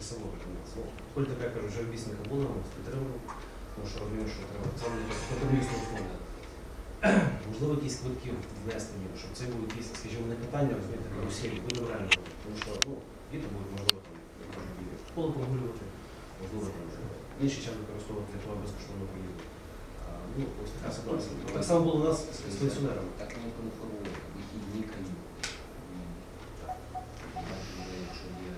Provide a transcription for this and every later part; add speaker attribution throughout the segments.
Speaker 1: само виконавця. Коли така, я кажу, вже обіцянка була, ми підтримали, тому що розумію, що треба саме економічно основне. Можливо, якісь квитки внести, щоб це були якісь, скажімо, не питання, розумієте, каруселі, будемо реально робити. Тому що діти будуть, можливо, там, поле прогулювати, можливо, там, інший час використовувати для того безкоштовного проїзду. Ну, ось така ситуація. Так само було у нас з пенсіонерами.
Speaker 2: Так не конформує, вихідні канікули. Якщо є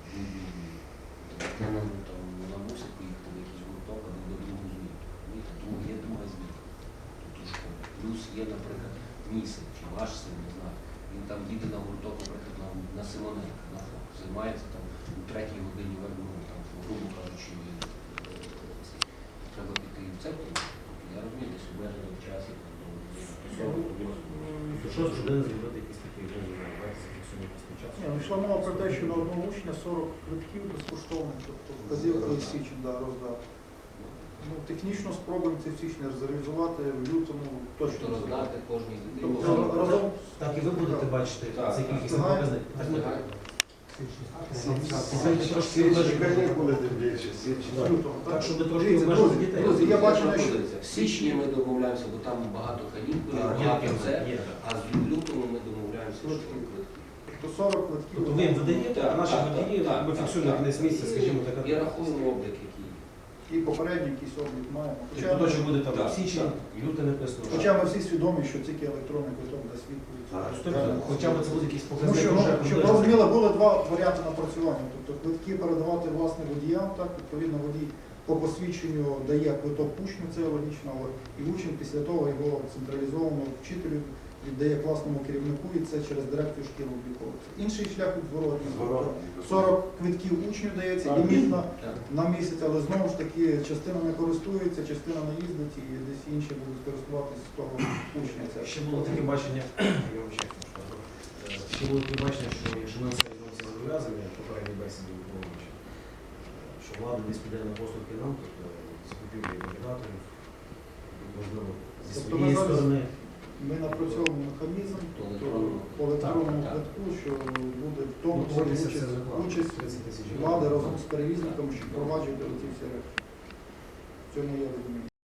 Speaker 2: там вона мусить поїхати в якийсь гурток, або до другу зміну. Тому є друга зміна. Тут у школі. Плюс є, наприклад, мій син, чи ваш син, не знаю. Він там їде на гурток, наприклад, на Симоненка, на ФОК. Займається там у 3-й годині верну, там, грубо кажучи, треба піти в церкву. Я розумію, десь обмежено в часі.
Speaker 1: Що з години зробити якісь такі час?
Speaker 3: Йшла мова про те, що на одного учня 40 квитків безкоштовно, тобто вказівка і січень роздав. Ну, технічно спробуємо це в січні зреалізувати, в лютому точно
Speaker 2: Роздати кожній дитині.
Speaker 3: Тобто разом
Speaker 1: Так і ви будете бачити цей кількість показник. Так, щоб трошки обмежити дітей.
Speaker 3: Друзі, я бачу, що
Speaker 2: В січні ми домовляємося, бо там багато канікул, багато це, а в лютому ми домовляємося, що квитки.
Speaker 3: то 40 квитків.
Speaker 1: Тобто ви їм видаєте, а наші водії, ми фіксуємо на кінець місяця, скажімо,
Speaker 2: І
Speaker 1: така.
Speaker 2: рахуємо облік, який.
Speaker 3: І попередній якийсь облік маємо.
Speaker 1: Тобто, що буде там січень, люте написано.
Speaker 3: Хоча ми всі свідомі, що тільки електронний квиток дасть відповідь.
Speaker 1: Хоча б це буде якийсь
Speaker 3: Тому
Speaker 1: показник.
Speaker 3: що,
Speaker 1: вже
Speaker 3: щоб
Speaker 1: приблизно.
Speaker 3: розуміли, були два варіанти напрацювання. Тобто квитки передавати власне водіям, так, відповідно водій по посвідченню дає квиток учню, це логічно, але і учень після того його централізовано вчителю віддає класному керівнику і це через дирекцію шкіл обліковується. Інший шлях відворотний. 40 квитків учню дається лімітно на місяць, але знову ж таки частина не користується, частина не їздить і десь інші будуть користуватися з того учня. Це
Speaker 1: Ще було таке бачення, я вам ще кажу, ще було таке бачення, що якщо ми це зобов'язані, попередній бесіді Головича, що влада десь піде на поступки нам, тобто закупівлі валідаторів, можливо, зі
Speaker 3: Тобто
Speaker 1: своєї
Speaker 3: ми зараз-
Speaker 1: сторони.
Speaker 3: Ми напрацьовуємо механізм
Speaker 2: Електронного.
Speaker 3: по електронному квитку, що буде в тому
Speaker 1: Готуватися
Speaker 3: числі
Speaker 1: це закладно.
Speaker 3: участь
Speaker 1: 30 тисяч
Speaker 3: влади разом з перевізниками, щоб впроваджувати ці всі речі. В цьому я розумію.